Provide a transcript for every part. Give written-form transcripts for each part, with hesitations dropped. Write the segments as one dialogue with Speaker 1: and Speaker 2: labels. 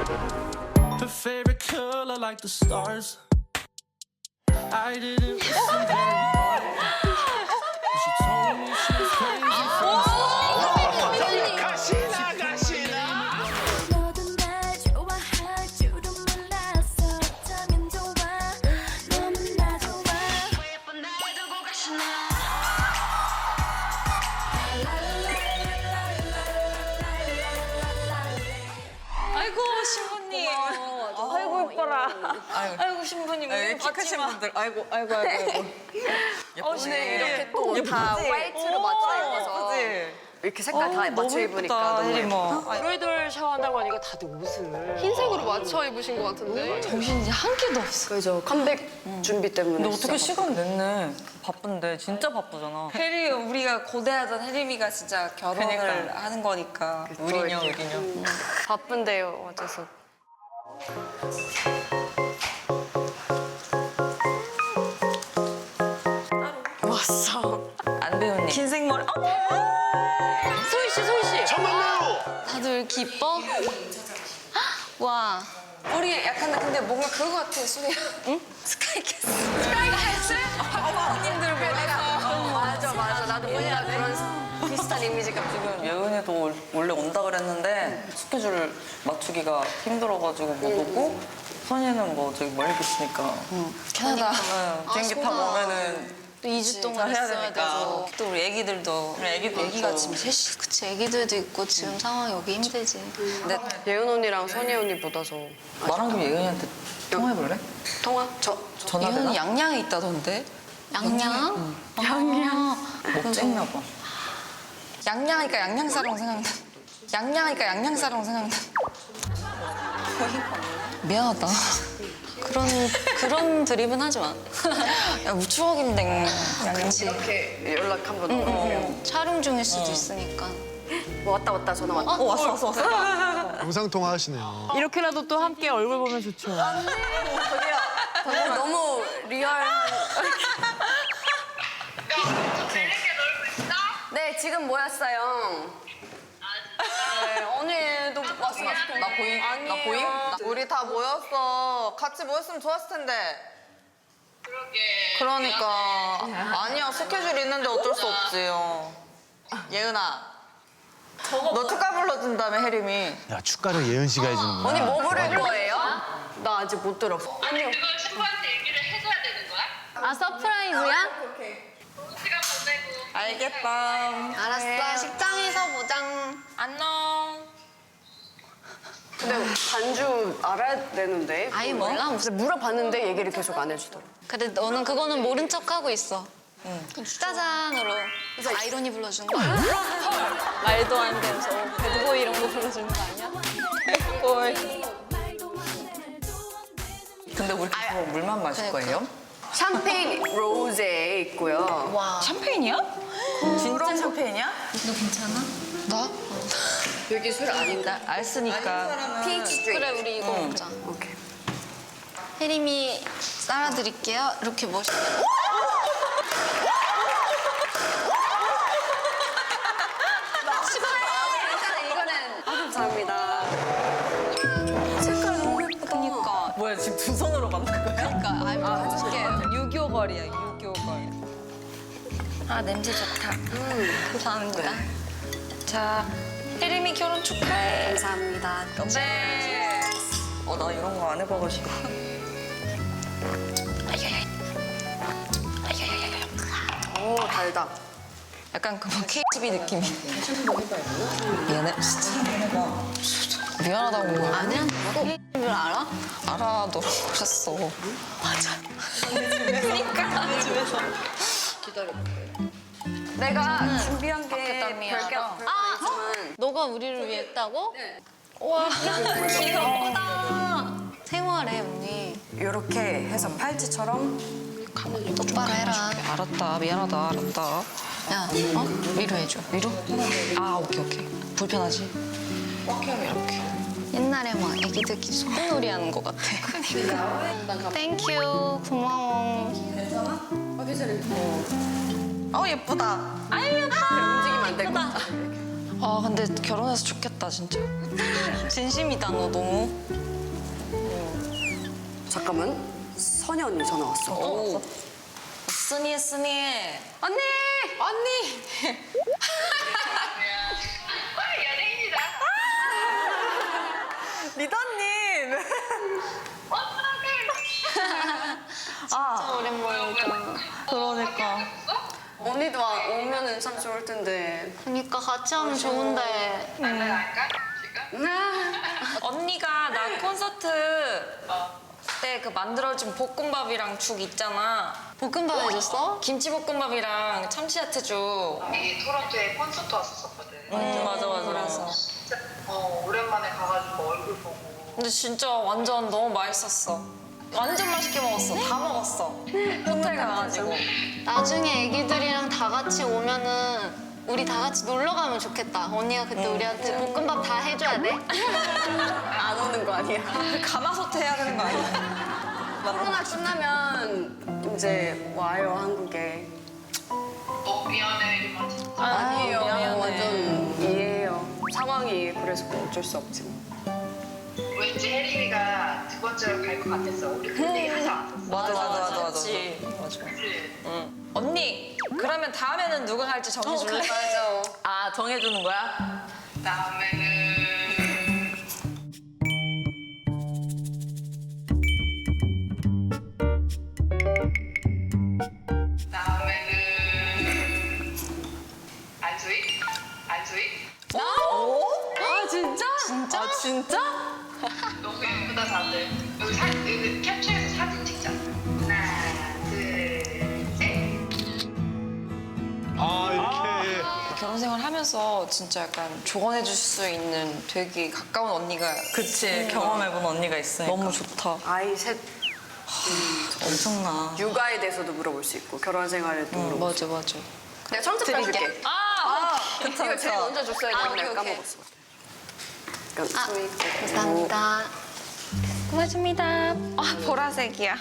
Speaker 1: Her favorite color like the stars. I didn't listen very hard. But she told me she was crazy for the
Speaker 2: 가시나 가시나.
Speaker 3: 너도 날 좋아할 줄은 몰랐어. 어쩌면 좋아. 너무 나 좋아. 왜 예쁜 날 두고 가시나.
Speaker 4: 아이고 신부님. 아이고 이뻐라. 아이고 신부님 오늘
Speaker 5: 픽하신
Speaker 4: 봤지만.
Speaker 5: 분들 아이고.
Speaker 4: 예쁘네.
Speaker 6: 이렇게 또 다 화이트로 맞춰 입어서 이렇게 색깔 다 맞춰 입으니까 너무 예뻐.
Speaker 4: 브라이덜 샤워한다고 하니까 다들 옷을
Speaker 7: 흰색으로 맞춰 입으신 것 같은데.
Speaker 4: 정신이 한 개도 없어.
Speaker 6: 그죠. 컴백 준비 때문에.
Speaker 5: 근데 어떻게 시간 냈네. 바쁜데 진짜 바쁘잖아.
Speaker 4: 혜리 우리가 고대하던 혜림이가 진짜 결혼을
Speaker 5: 그러니까.
Speaker 4: 하는 거니까.
Speaker 5: 의리녀.
Speaker 7: 바쁜데요, 어째서.
Speaker 6: 왔어.
Speaker 5: 안 배우니.
Speaker 4: 흰색 머리.
Speaker 7: 소희 씨.
Speaker 2: 정말요.
Speaker 7: 다들 왜 이렇게 이뻐? 와.
Speaker 4: 우리 약간 근데 뭔가 그거 같아 수리야. 응? 스카이캐슬. 스카이캐슬? 언니들 보내서.
Speaker 6: 맞아. 나도 뭔가 그런 비슷한 이미지가.
Speaker 5: 지금 예은이도 원래 온다 그랬는데 스케줄 맞추기가 힘들어가지고 못 오고 선이는 뭐 저기 멀리 계시니까
Speaker 4: 캐나다.
Speaker 5: 비행기 타고 오면은
Speaker 7: 또 2주 동안
Speaker 5: 해야
Speaker 7: 있어야
Speaker 5: 되니까.
Speaker 7: 되고.
Speaker 4: 또 우리 애기들도.
Speaker 5: 애기가
Speaker 4: 지금 셋이.
Speaker 7: 그치, 애기들도 있고 지금 상황이 여기 힘들지.
Speaker 6: 근데 예은 언니랑 선희 언니 보다서
Speaker 5: 말한 김에 예은이한테 통화해볼래?
Speaker 6: 통화?
Speaker 5: 전화 되나?
Speaker 4: 이건 양양에 있다던데.
Speaker 7: 양양?
Speaker 5: 뭐 쨍나 봐.
Speaker 4: 양양하니까 양양사랑 생각나. 양양하니까 양양사랑 생각나. 미안하다.
Speaker 7: 그런 드립은 하지 마.
Speaker 4: 야, 우리 추억인데.
Speaker 7: 그치.
Speaker 6: 이렇게 연락 한번 넣어볼게요.
Speaker 7: 촬영 중일 수도 있으니까.
Speaker 6: 왔다 전화 왔다.
Speaker 5: 왔어.
Speaker 2: 영상 통화 하시네요.
Speaker 8: 이렇게라도 또 함께 얼굴 보면 좋죠.
Speaker 6: 너무 리얼한. 네, 지금 모였어요. 네, 언니도 왔어.
Speaker 5: 나 보임? 나 보임?
Speaker 9: 우리 다 모였어. 같이 모였으면 좋았을 텐데. 그러니까. 아니야, 스케줄 있는데 어쩔 수 없지요. 예은아. 너 축가 불러준다며, 혜림이.
Speaker 2: 야 축가를 예은 씨가 해주는구나.
Speaker 6: 언니 뭐 부를 거예요? 나 아직 못 들었어.
Speaker 10: 아니 그걸 친구한테 얘기를 해줘야 되는 거야?
Speaker 7: 아, 서프라이즈야?
Speaker 10: 시간 보내고
Speaker 5: 알겠다.
Speaker 7: 알았어. 식장에서 보장.
Speaker 4: 안녕.
Speaker 6: 근데 반주 알아야 되는데.
Speaker 7: 아예 몰라? 무슨.
Speaker 6: 물어봤는데 얘기를 계속 안 해주더라.
Speaker 7: 근데 너는 그거는 모른 척하고 있어. 짜잔으로 아이러니 불러주는 거 아니야? 말도 안 되면서 배드보이 이런 거 불러주는 거 아니야?
Speaker 5: 근데 우리 그거 물만 마실 거예요?
Speaker 6: 샴페인 로제 있고요.
Speaker 7: 와.
Speaker 4: 샴페인이야?
Speaker 5: 진짜 샴페인이야?
Speaker 7: 너 괜찮아?
Speaker 4: 나?
Speaker 6: 여기 술 아닌가?
Speaker 4: 알 쓰니까.
Speaker 6: 피치 드링크.
Speaker 7: 그래, 우리 이거 먹자.
Speaker 6: 오케이.
Speaker 7: 혜림이 쌀아드릴게요. 이렇게 멋있게.
Speaker 6: 이거는 감사합니다. 색깔 너무 예쁘다.
Speaker 7: 그니까.
Speaker 5: 뭐야 지금 두 손으로 만든 거야?
Speaker 7: 그니까. 아이, 해줄게.
Speaker 4: 유교걸이야, 유교걸. 아, 냄새 좋다.
Speaker 7: 감사합니다.
Speaker 4: 자, 혜림이 결혼 축하해.
Speaker 6: 감사합니다.
Speaker 4: 네.
Speaker 5: 나 이런 거 안 해봐가지고.
Speaker 6: 오, 달다.
Speaker 4: 약간 그뭐 KTV 느낌이. 미안해. 진짜. 미안하다고.
Speaker 7: 아니야? 혜림을 알아?
Speaker 4: 알아, 너 오셨어. 맞아. 그러니까.
Speaker 6: 내가 준비한 게 별게
Speaker 7: 미안하다.
Speaker 6: 없지만
Speaker 7: 너가 우리를 위해 했다고? 네. 와, 귀엽다. 생활해, 언니.
Speaker 6: 이렇게 해서 팔찌처럼
Speaker 7: 똑바로 해라.
Speaker 4: 알았다, 미안하다, 알았다.
Speaker 7: 야,
Speaker 4: 위로 해줘. 위로? 아, 오케이. 불편하지? 이렇게.
Speaker 7: 옛날에 막 애기들끼리 소꿉놀이 하는 것 같아. 땡큐, 고마워.
Speaker 5: 예쁘다.
Speaker 7: 아유, 예뻐.
Speaker 6: 움직이면 안 될 것 같아.
Speaker 7: 아 근데 결혼해서 좋겠다 진짜. 진심이다 너 너무.
Speaker 6: 잠깐만. 선희 언니 전화 왔어.
Speaker 7: 오. 쓰니.
Speaker 6: 언니!
Speaker 10: 연예인이다.
Speaker 6: 리더님!
Speaker 7: 진짜 오랜만이다.
Speaker 5: 그러니까.
Speaker 6: 언니도 오면은 참 좋을 텐데.
Speaker 7: 그러니까 같이 하면 좋은데.
Speaker 10: 할까? 지금?
Speaker 7: 언니가 나 콘서트 때 그 만들어준 볶음밥이랑 죽 있잖아. 볶음밥 해줬어? 김치볶음밥이랑 참치야채죽.
Speaker 10: 이 토론토에 콘서트 왔었거든.
Speaker 7: 맞아. 그래서.
Speaker 10: 진짜 오랜만에 가가지고 얼굴 보고.
Speaker 7: 근데 진짜 완전 너무 맛있었어. 완전 맛있게 먹었어. 다 먹었어. 호텔 가가지고. 나중에 애기들이랑 다 같이 오면은 우리 다 같이 놀러 가면 좋겠다. 언니가 그때 우리한테 볶음밥 다 해줘야 돼.
Speaker 6: 안 오는 거 아니야?
Speaker 5: 가마솥 해야 되는 거 아니야?
Speaker 6: 코로나 끝나면 이제 와요, 한국에.
Speaker 10: 미안해 이만 진짜.
Speaker 6: 아니에요.
Speaker 7: 미안해.
Speaker 6: 완전 이해해요. 상황이 그래서 어쩔 수 없지.
Speaker 10: 왠지 혜림이가 두 번째로 갈 것 같았어. 우리 그런 얘기 하지 않았었어.
Speaker 5: 맞아.
Speaker 7: 그치.
Speaker 10: 그치?
Speaker 7: 언니, 그러면 다음에는 누가 갈지 정해줄래?
Speaker 6: 맞아.
Speaker 5: 아, 정해주는 거야?
Speaker 10: 다음에는 안수희?
Speaker 6: 아, 진짜?
Speaker 7: 진짜?
Speaker 6: 진짜?
Speaker 10: 너무 예쁘다 다들. 여기 캡처해서 사진 찍자. 하나, 둘, 셋.
Speaker 2: 아 이렇게
Speaker 7: 결혼 생활 하면서 진짜 약간 조언해줄 수 있는 되게 가까운 언니가
Speaker 5: 그치, 경험해본 언니가 있으니까.
Speaker 7: 너무 좋다.
Speaker 6: 아이 셋
Speaker 5: 엄청나.
Speaker 6: 육아에 대해서도 물어볼 수 있고 결혼 생활에도 물어볼 수
Speaker 7: 맞아.
Speaker 6: 있고. 내가 청첩장 줄게.
Speaker 7: 아,
Speaker 6: 이거 제일 먼저 줬어야
Speaker 7: 아,
Speaker 6: 되는데
Speaker 7: 오케이.
Speaker 6: 까먹었어. 그러니까
Speaker 7: 감사합니다. 고맙습니다. 아, 보라색이야.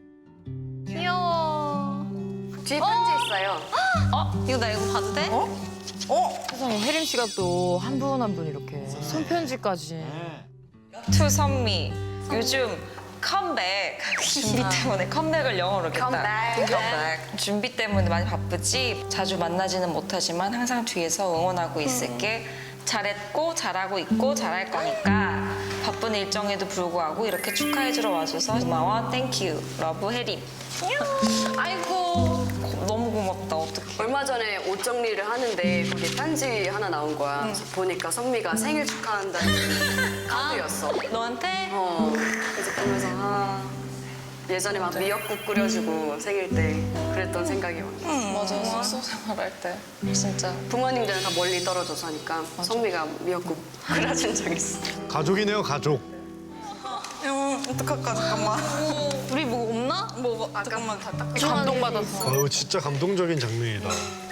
Speaker 7: 귀여워.
Speaker 6: 뒤에 편지 있어요.
Speaker 7: 이거 나 이거 봐도 돼?
Speaker 8: 세상에 혜림 씨가 또 한 분 한 분 이렇게 손편지까지.
Speaker 7: 투 선미. 요즘 컴백 준비 때문에 컴백을 영어로 했다. 컴백. 준비 때문에 많이 바쁘지. 자주 만나지는 못하지만 항상 뒤에서 응원하고 있을게. 잘했고 잘하고 있고 잘할 거니까 바쁜 일정에도 불구하고 이렇게 축하해주러 와줘서 고마워. 땡큐. 러브 혜림. 아이고 너무 고맙다. 어떡해.
Speaker 6: 얼마 전에 옷 정리를 하는데 거기에 편지 하나 나온 거야. 그래서 보니까 선미가 생일 축하한다는 카드였어.
Speaker 7: 너한테?
Speaker 6: 그래서 보면서 예전에 막 미역국 끓여주고 생일 때 그랬던 생각이 나.
Speaker 7: 맞아. 숙소 생활할 때 진짜.
Speaker 6: 부모님들은 다 멀리 떨어져서 하니까 선미가 미역국 끓여준 적 있어.
Speaker 2: 가족이네요 가족.
Speaker 5: 어떡할까, 잠깐만.
Speaker 7: 우리 뭐 없나?
Speaker 5: 잠깐만, 다 닦아.
Speaker 8: 감동받았어.
Speaker 2: 아유 진짜 감동적인 장면이다.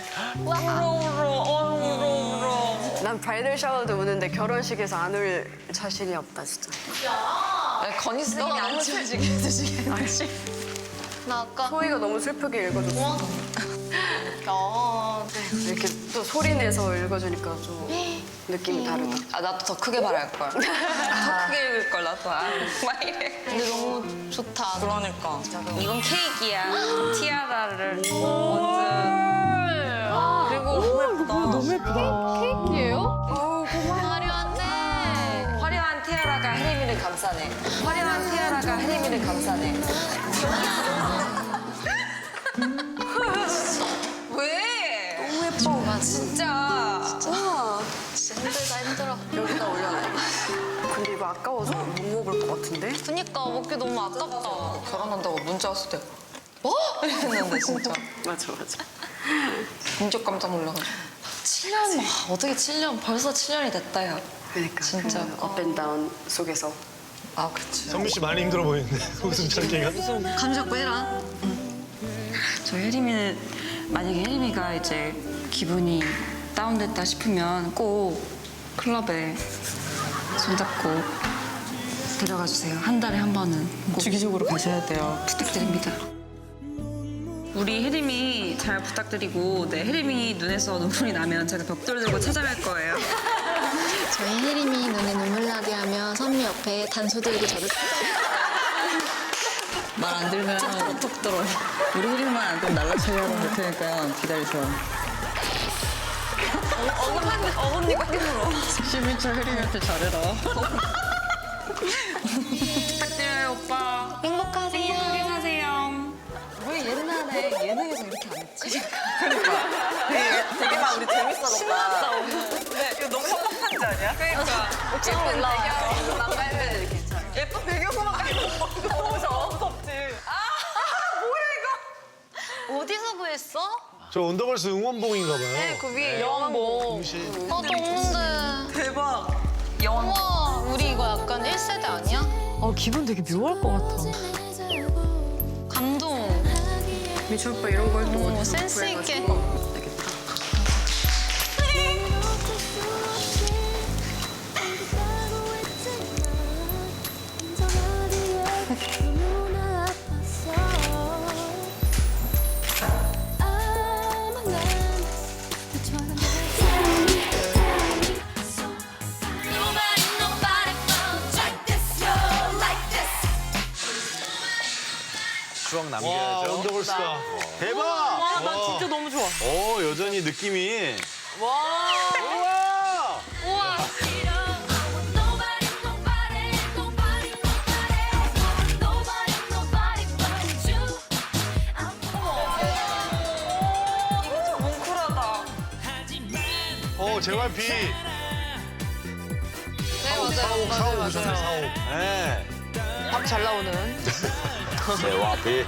Speaker 6: 난 브라이덜 샤워도 우는데 결혼식에서 안 울 자신이 없다 진짜.
Speaker 7: 건희 쌤이 안 치워지게 해주시겠지? 나 아까
Speaker 6: 소희가 너무 슬프게 읽어줬어. 이렇게 또 소리 내서 읽어주니까 좀 느낌이 다르다.
Speaker 7: 아 나도 더 크게 말할 걸. 더 크게 읽을 걸 나도. 막 이래. 근데 너무 좋다.
Speaker 5: 그러니까.
Speaker 7: 이건 케이크야. 티아라를 얹은. 그리고
Speaker 8: 너무 예쁘다.
Speaker 7: 케이크예요? 화려한 티아라가 혜림이를 감싸네. 화려한 티아라가 혜림이를 감싸네. 왜? 너무 예뻐. 진짜. 진짜 힘들어.
Speaker 6: 여기다 올려놔야겠다. 근데 이거 아까워서 못 먹을 것 같은데?
Speaker 7: 그니까 먹기 너무 아깝다. 결혼한다고 문자 왔을 때 뭐? 이랬는데 진짜.
Speaker 6: 맞아.
Speaker 7: 진짜 깜짝 놀라가지고. 7년? 와, 어떻게 7년? 벌써 7년이 됐다, 야.
Speaker 6: 그러니까
Speaker 7: 진짜.
Speaker 6: 업앤다운 속에서.
Speaker 7: 아, 그치.
Speaker 2: 선미 씨 많이 힘들어 보이는데 웃음 참기가.
Speaker 7: 감 잡고 해라.
Speaker 11: 저 혜림이는 만약에 혜림이가 이제 기분이 다운됐다 싶으면 꼭 클럽에 손잡고 데려가 주세요. 한 달에 한 번은 꼭
Speaker 5: 주기적으로 가셔야 돼요.
Speaker 11: 부탁드립니다. 우리 혜림이 잘 부탁드리고 네, 혜림이 눈에서 눈물이 나면 제가 벽돌 들고 찾아갈 거예요.
Speaker 3: 저희 혜림이 눈에 눈물 나게 하면 선미 옆에 단소 들고 저를
Speaker 5: 말 안 들으면 톡 들어요. 우리 혜림만 안 들으면 날라차려고 할 테니까 기다리세요.
Speaker 4: 어금니가 힘들어.
Speaker 5: 11차 혜림한테 잘해라.
Speaker 11: 부탁드려요, 오빠.
Speaker 3: 행복하세요.
Speaker 11: 행복하게 사세요.
Speaker 4: 왜 옛날에 예능에서 이렇게 안 했지?
Speaker 5: 되게 막 우리 재밌어졌다.
Speaker 4: 이거 너무 협박한지 아니야? 그러니까. 예쁜 배경 나가야 이렇게 잘. 예쁜 배경만 깔고 너무 무섭지.
Speaker 3: 어디서 구했어?
Speaker 2: 저 원더걸스 응원봉인가 봐요.
Speaker 4: 네, 그 위에 영화봉.
Speaker 3: 나도 없는데.
Speaker 5: 대박.
Speaker 3: 우와, 우리 이거 약간 1세대 아니야?
Speaker 8: 기분 되게 묘할 것 같아.
Speaker 3: 감동.
Speaker 6: 미출 오빠 이런 걸 또 어디서
Speaker 3: 센스 있게.
Speaker 12: 추억
Speaker 2: 와,
Speaker 12: 남겨야죠.
Speaker 2: 원더걸스다.
Speaker 12: 대박!
Speaker 8: 와, 나 진짜 너무 좋아.
Speaker 12: 오, 여전히 느낌이. 우와!
Speaker 2: JYP.
Speaker 4: 네, 맞아요.
Speaker 2: 사옥 오셨네, 사옥.
Speaker 12: 네.
Speaker 8: 밥 잘 나오는.
Speaker 12: JYP.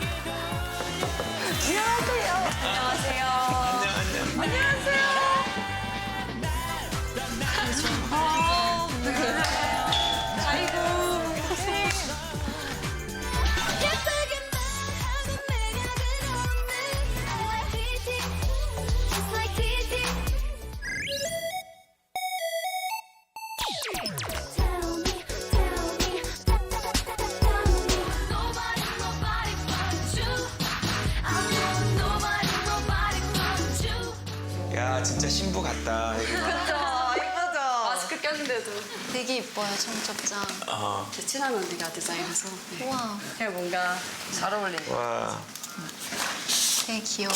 Speaker 13: 야, 진짜 신부 같다.
Speaker 6: 마스크 꼈는데도
Speaker 3: 되게 이뻐요, 청첩장.
Speaker 6: 제 친한 언니가 디자인해서. 네.
Speaker 3: 우와,
Speaker 5: 뭔가 잘 어울린다.
Speaker 13: 와,
Speaker 3: 되게 귀여워요.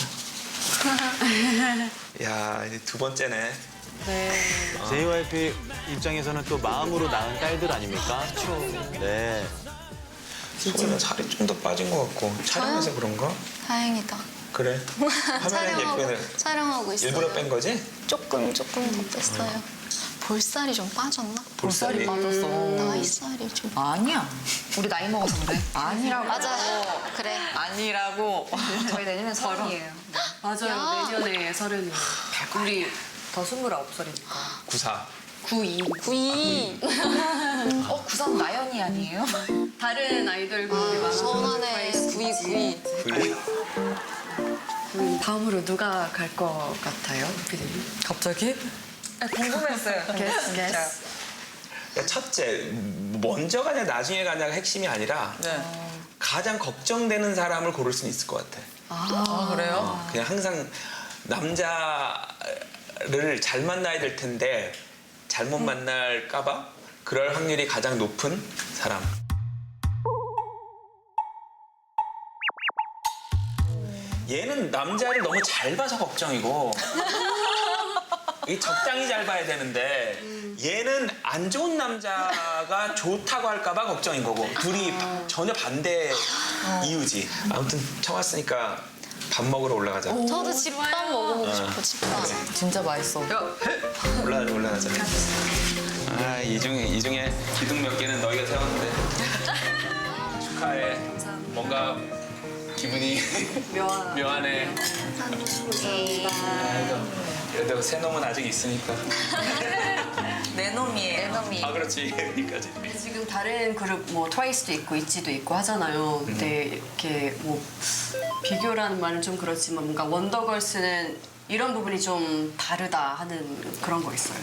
Speaker 13: 야, 이제 두 번째네.
Speaker 12: JYP 입장에서는 또 마음으로 낳은 딸들 아닙니까? 그렇죠. 네.
Speaker 13: 소리는 살이 좀 더 빠진 것 같고 촬영해서 그런가?
Speaker 3: 다행이다.
Speaker 13: 그래. 화면에 예쁘네.
Speaker 3: 촬영하고 있어요.
Speaker 13: 일부러 뺀 거지?
Speaker 3: 조금 더 뺐어요. 볼살이 좀 빠졌나?
Speaker 13: 볼살이
Speaker 5: 빠졌어.
Speaker 3: 나이살이 좀.
Speaker 5: 아니야. 우리 나이 먹어서 그래. 아니라고.
Speaker 3: 맞아. 그래.
Speaker 5: 아니라고. 저희 내년에 서른이에요.
Speaker 6: 맞아요. 내년에 30이에요. 우리 더 29살이니까.
Speaker 13: 94.
Speaker 6: 92.
Speaker 3: 92.
Speaker 5: 93 나연이 아니에요?
Speaker 6: 다른 아이돌 그룹이 많아서.
Speaker 3: 서운하네. 92.
Speaker 13: 92.
Speaker 6: 다음으로 누가 갈 것 같아요, 피디님?
Speaker 5: 갑자기? 궁금했어요.
Speaker 6: Guess.
Speaker 13: 그러니까 첫째, 먼저 가냐 나중에 가냐가 핵심이 아니라
Speaker 5: 네.
Speaker 13: 가장 걱정되는 사람을 고를 수는 있을 것 같아.
Speaker 5: 아, 그래요?
Speaker 13: 그냥 항상 남자를 잘 만나야 될 텐데 잘못 만날까 봐 그럴 확률이 가장 높은 사람. 얘는 남자를 너무 잘 봐서 걱정이고 이게 적당히 잘 봐야 되는데 얘는 안 좋은 남자가 좋다고 할까 봐 걱정인 거고 둘이 전혀 반대 이유지. 아무튼 처음 왔으니까 밥 먹으러 올라가자.
Speaker 3: 저도 집밥 먹어보고 싶어, 집밥.
Speaker 5: 진짜 맛있어.
Speaker 13: 올라가자. 아, 이 중에 기둥 몇 개는 너희가 세웠는데 축하해. 뭔가 기분이 묘하네. 그래도 새 놈은 아직 있으니까.
Speaker 5: 내 놈이에요. 내 놈이.
Speaker 13: 아, 그렇지. 여기까지.
Speaker 6: 지금 다른 그룹 뭐 트와이스도 있고 있지도 있고 하잖아요. 근데 이렇게 뭐 비교라는 말은 좀 그렇지만 뭔가 원더걸스는 이런 부분이 좀 다르다 하는 그런 거 있어요.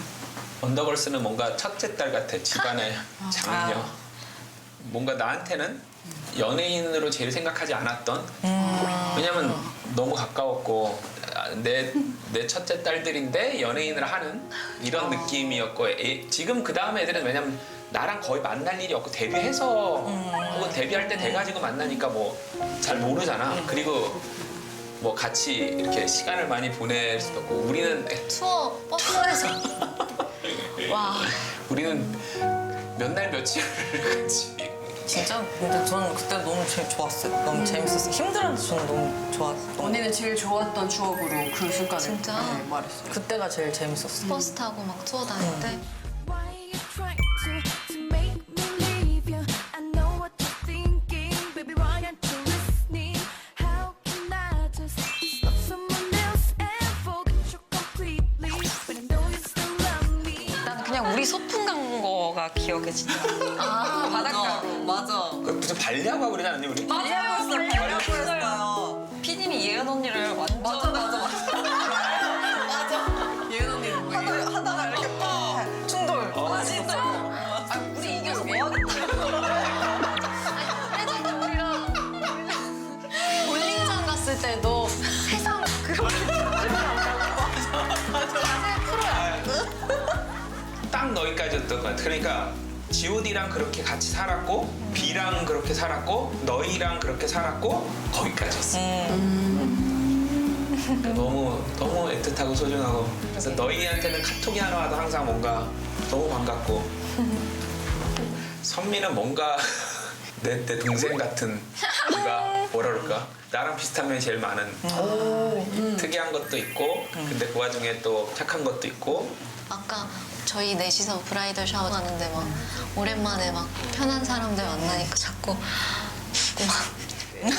Speaker 13: 원더걸스는 뭔가 첫째 딸 같아. 집안의 장녀. 뭔가 나한테는 연예인으로 제일 생각하지 않았던. 왜냐면 너무 가까웠고 내 첫째 딸들인데 연예인을 하는 이런 느낌이었고 지금 그 다음 애들은 왜냐면 나랑 거의 만날 일이 없고 데뷔해서 혹은 데뷔할 때 돼가지고 만나니까 뭐 잘 모르잖아. 그리고 뭐 같이 이렇게 시간을 많이 보낼 수도 없고 우리는
Speaker 4: 투어 버스에서
Speaker 7: 와.
Speaker 13: 우리는 몇 날 며칠을 같이
Speaker 5: 진짜? 근데 저는 그때 너무 제일 좋았어요. 너무 재밌었어요. 힘들었는데 저는 너무 좋았어요.
Speaker 6: 언니는 제일 좋았던 추억으로 그 순간을
Speaker 4: 진짜?
Speaker 6: 말했어요.
Speaker 5: 그때가 제일 재밌었어요.
Speaker 4: 버스 타고 막 투어 다닐 때
Speaker 3: Why you trying to make me leave you? I know what you're thinking, baby. Why aren't you listening? How can I just love someone else and forget you completely? But I know you still love me.
Speaker 7: 난 그냥 우리 소풍 간 거가 기억에 진짜.
Speaker 5: 아,
Speaker 7: 바닷가로.
Speaker 5: 맞아.
Speaker 13: 그 무슨 발리하고 하고 그러지 않았니 우리?
Speaker 5: 발리하고 했어요.
Speaker 7: 피디님이 예은 언니를 완전.
Speaker 5: 맞아. 예은 언니는 뭐 하다가 이렇게 충돌. 진짜.
Speaker 4: 아 우리 이겨서 뭐 하겠다 예전에 우리랑 볼링장 갔을 때도 세상 그렇게
Speaker 13: 딱 너희까지였던 것 같아. 그러니까 G.O.D랑 그렇게 같이 살았고 B랑 그렇게 살았고 너희랑 그렇게 살았고 거기까지였어. 너무 애틋하고 소중하고 그래서 너희한테는 카톡이 하나 와도 항상 뭔가 너무 반갑고 선미는 뭔가 내 동생 같은 네가 뭐라 그럴까 나랑 비슷한 면이 제일 많은 특이한 것도 있고 근데 그 와중에 또 착한 것도 있고
Speaker 4: 아까 저희 넷이서 브라이덜 샤워 하는데 막 오랜만에 막 편한 사람들 만나니까 자꾸 막 입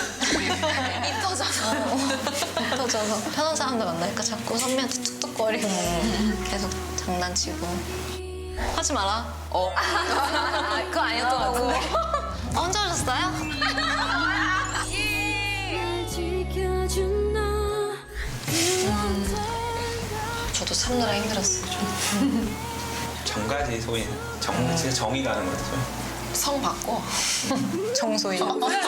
Speaker 4: 터져서 편한 사람들 만나니까 자꾸 선배한테 툭툭거리고 계속 장난치고 하지 마라. 그거 아니었던 것 같은데. 혼자 오셨어요?
Speaker 3: 날 지켜준 너
Speaker 4: 저도 참느라 힘들었어요. 좀.
Speaker 13: 정가지 소위 진짜 정이 가는 거죠.
Speaker 4: 성 바꿔. 정소희.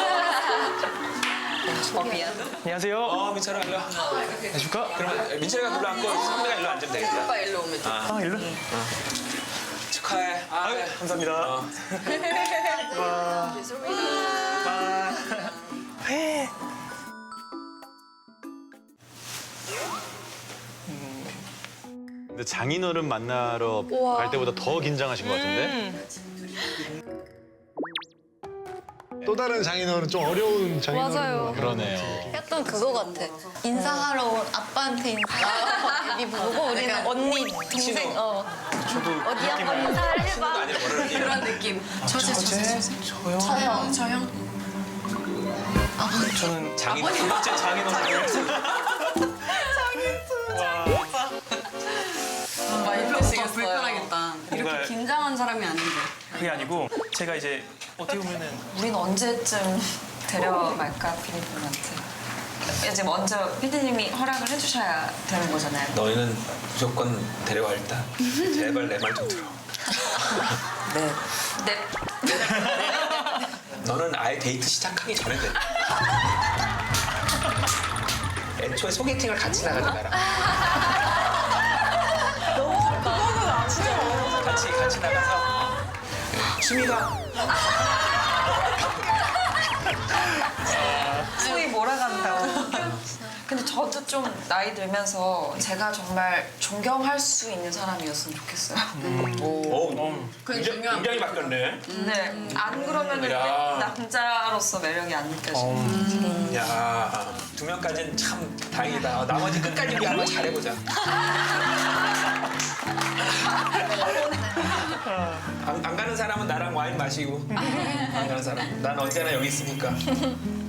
Speaker 7: 미안.
Speaker 2: 안녕하세요.
Speaker 13: 민철아 일로 와.
Speaker 2: 해줄까?
Speaker 13: 그러면 민철이가 불러 앉고 선배가 일로 앉으면 되겠다.
Speaker 6: 오빠 일로 오면 돼.
Speaker 2: 일로?
Speaker 13: 축하해.
Speaker 2: 감사합니다.
Speaker 12: 근데 장인어른 만나러 갈 때보다 더 긴장하신 것 같은데?
Speaker 2: 또 다른 장인어른 좀 어려운 장인어른.
Speaker 8: 맞아요.
Speaker 12: 그러네요.
Speaker 4: 약간 그거 같아. 인사하러 온 아빠한테 인사. 애비 보고 우리는 언니, 동생. 어디 한번 인사를 해봐.
Speaker 13: 아니라 뭐라 그러니?
Speaker 6: 그런 느낌. 저제.
Speaker 4: 저형.
Speaker 13: 저는 장인 두 번째 장인어른.
Speaker 6: 많이 힘드시겠어요. 불편하겠다. 이렇게
Speaker 14: 뭔가-
Speaker 6: 긴장한 사람이 아닌데.
Speaker 14: 그게 아니고 제가 이제 어떻게 보면은
Speaker 7: 우린 언제쯤 데려갈까 피디님한테. 이제 먼저 피디님이 허락을 해주셔야 되는 거잖아요.
Speaker 13: 너희는 무조건 데려와 일단. 제발 내 말 좀 들어.
Speaker 5: 네.
Speaker 7: 네.
Speaker 13: 너는 아예 데이트 시작하기 전에 돼. 애초에 소개팅을 같이 나가지 마라. 같이 나가서 취미가
Speaker 7: 소위 몰아간다고. 근데 저도 좀 나이 들면서 제가 정말 존경할 수 있는 사람이었으면 좋겠어요.
Speaker 13: 굉장히 바뀌었네.
Speaker 7: 네, 안 그러면
Speaker 13: 야.
Speaker 7: 남자로서 매력이 안 느껴져요.
Speaker 13: 야, 2명까지는 참 다행이다. 나머지 끝까지 우리 한번 잘해보자. 안 가는 사람은 나랑 와인 마시고 안 가는 사람 난 언제나 여기 있으니까